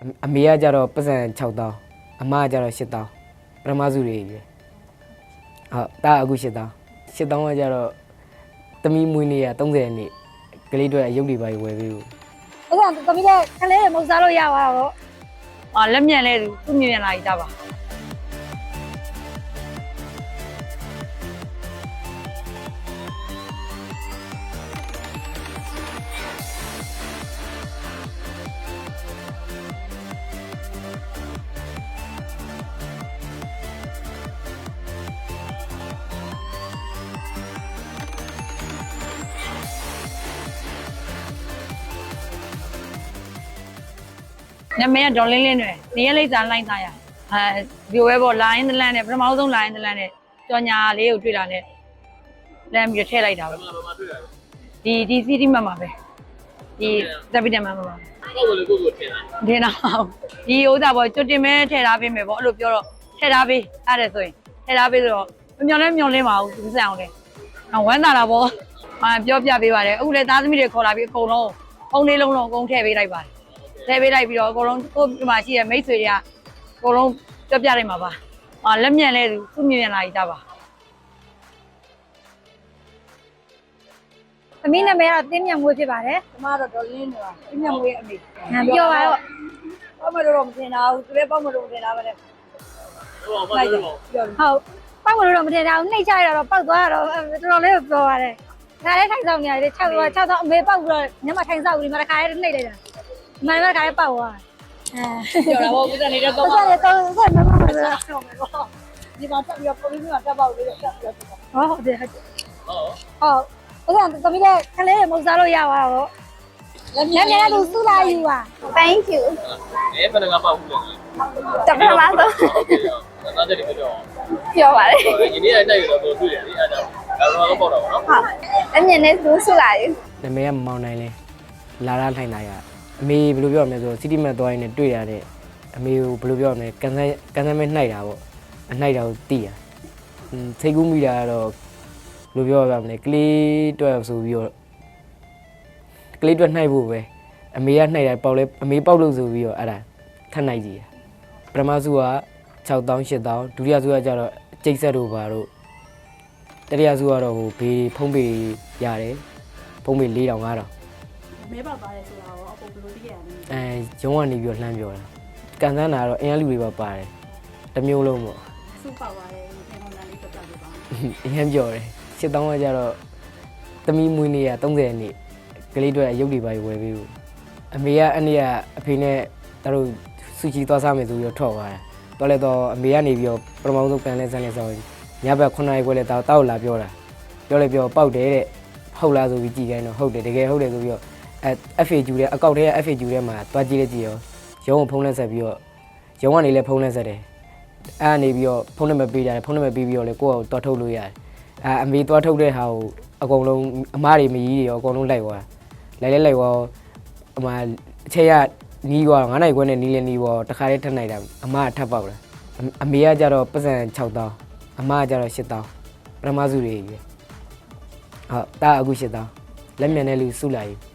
အမေကကြတော့ပတ်စံ6တောင်းအမကကြတော့8တောင်းပထမစုတွေကြီးဟုတ်တာအခု8တောင်း8တောင်းကကြတော့သမီးမွေးနေ့က30ရက်နေ့ကလေးတွေအရုပ်တွေပါဝယ်ပေးဘူးအဲ့ဒါသမီးလည်းခလေးမဟုတ်စားလို့ရပါတော့လက်မြန်လဲသူမြင်လာကြပါနမရဒေါ်လင်းလင်းတွေနေရလိမ့်စာလိုက်သားရဒီဝဲပေါ်လိုင်းတလန်းနဲ့ပထမဆုံးလိုင်းတလန်းနဲ့ကြော်ညာလေးကိုတွေ့တာနဲ့လမ်းပြီးထည့်လိုက်တာပဲဒီစီတီမှာပဲဒီသပိတမမှာပါဟုတ်လို့ကိုထည့်တာထည့်တာဒီဥစ္စာပေါ်ကျွတ်တင်မဲထည့်ထားပေးမယ်ပေါ့အဲ့လိုပြောတော့ထည့်ထားပေးအဲ့ဒါဆိုရင်ထည့်ထားပေးဆိုတော့မျောလင်းပါဘူးသူစံအောင်လေဝမ်းသာတာပေါ့ပြောပြပေးပါတယ်အခုလေသားသမီးတွေခေါ်လာပြီးအကုန်လုံးအုံလေးလုံးလုံးအကုန်ထည့်ပေးလိုက်ပါတယ်ထည့်ပေးလိုက်ပြီးတော့အကုန်လုံးကိုဒီမှာရှိတဲ့မိတ်ဆွေတွေကအကုန်လုံးပြောပြလိုက်မှာပါလက်မြန်လဲသူမြင်လာကြပါသမီးနာမည်ကတော့တင်းမြတ်မွေးဖြစ်ပါတယ်ကျမတော့ဒေါ်လင်းနေတာပြင်းပြမွေးအမေပြောပါတော့ပေါ့မလို့မတင်တာဘူးသူလည်းပေါ့မလို့တင်တာပဲလေဟုတ်ပါဘူးပြောဟုတ်ပောက်မလို့တော့မထင်တာဘူးနှိတ်ချရတော့ပောက်သွားတော့တော်တော်လေးပြောပါတယ်ခါလေးထိုင်ဆောင်နေရတယ်6တော့အမေပောက်ပြီးတော့ညမထိုင်ဆောင်ပြီးမှတစ်ခါလေးနှိတ်လိုက်တာဒီမှာတစ်ခါလေးပောက်သွားပြောတာပေါ့ဦးစံနေတဲ့တော့ဟုတ်တယ်တော့ဆက်မမမဆိုဒီမှာတက်ပြီးတော့ပုံပြီးတော့တက်ပေါက်လေးတော့တက်ပြီးတော့ဟုတ်တယ်ဟုတ်အဲ့ဒါသမီးလည်းခလေးမဟုတ်စားလို့ရပါတော့လက်မြန်သူစုလာယူပါ Thank you ဘယ်နှကပေါက်ဘူးလဲတပည့်မဆိုโอเคသားချက်တွေပြောပြောပါလေဒီနေ့တိုက်ရတော့တွေ့တယ်လေအဲ့ဒါတော့ပေါက်တော့ဗောနော်ဟုတ်အမြင်နဲ့သူဆူလာယူနာမည်ကမမောင်နိုင်လဲလာရထိုင်တာရအမေဘယ်လိုပြောရမလဲဆိုစီတီမတ်သွားရင်းနဲ့တွေ့ရတဲ့အမေကိုဘယ်လိုပြောရမလဲကန်ဆယ်မဲနှိုက်တာပေါ့အနှိုက်တာကိုတီးရစိတ်ကူးမိတာကတော့ဘယ်လိုပြောရမလဲကလေးတွက်ဆိုပြီးတော့ကလေးတွက်နှိုက်ဖို့ပဲအမေကနှိုက်တာပေါက်လဲအမေပေါက်လို့ဆိုပြီးတော့အဲ့ဒါထပ်နှိုက်ကြည့်ရပထမစုက6တောင်း8တောင်းဒုတိယစုကကျတော့ကျိတ်ဆက်တို့ပါတို့တတိယစုကတော့ဟိုဘေးဖုံးပေရတယ်ဖုံးပေ4000 5000 မဲပေါက်သွားတယ်ဆိုတာရောအကုန်ဘယ်လိုသိရလဲရုံးကနေပြီးတော့လှမ်းပြောတာကန်ဆန်းတာကတော့အင်အားလူတွေပါပါတယ်တစ်မျိုးလုံးပေါ့စုပေါက်သွားတယ်ဒီပုံစံလေးတက်ပြပါအရင်ပြောတယ်8000ကကျတော့သမီးမွေးနေ့က30ရက်နေ့ကလေးတွေအရုပ်တွေပါဝယ်ပေးဘူးအမေကအနေ့ကအဖေနဲ့တို့ဆူချီသွားစားမယ်ဆိုပြီးတော့ထွက်သွားတယ်တော်လဲတော့အမေကနေပြီးတော့ပထမဆုံးကန်လဲဆန်းလဲဆောင်းညဘက်9နာရီခွဲလဲတောက်လာပြောတာပြောလဲပြောပေါက်တယ်တဲ့ဟုတ်လားဆိုပြီးကြည်ခိုင်းတော့ဟုတ်တယ်တကယ်ဟုတ်တယ်ဆိုပြီးတော့ FAQ တဲ့အကောက်ထဲက FAQ ထဲမှာတွားကြည့်လိုက်ကြည့်ရောရုံးကိုဖုန်းလက်ဆက်ပြီးတော့ရုံးကနေလည်းဖုန်းလက်ဆက်တယ်အဲ့ကနေပြီးတော့ဖုန်းနံပါတ်ပေးကြတယ်ဖုန်းနံပါတ်ပေးပြီးတော့လေကိုယ့်ကိုတွားထုတ်လို့ရတယ်အမေတွားထုတ်တဲ့ဟာကိုအကုန်လုံးအမားတွေမကြီးတွေရောအကုန်လုံးလိုက်သွားလိုက်သွားအမအချက်ရနီးသွား9နိုင်ခွဲနဲ့နီးလဲနီးသွားတခါလေးထပ်နိုင်တာအမကထပ်ပေါက်လာအမေကကြတော့ပတ်စံ6တောင်းအမကကြတော့8တောင်းပထမစုတွေကြီးဟုတ်တာအခု8တောင်းလက်မြန်တဲ့လူစုလာယူ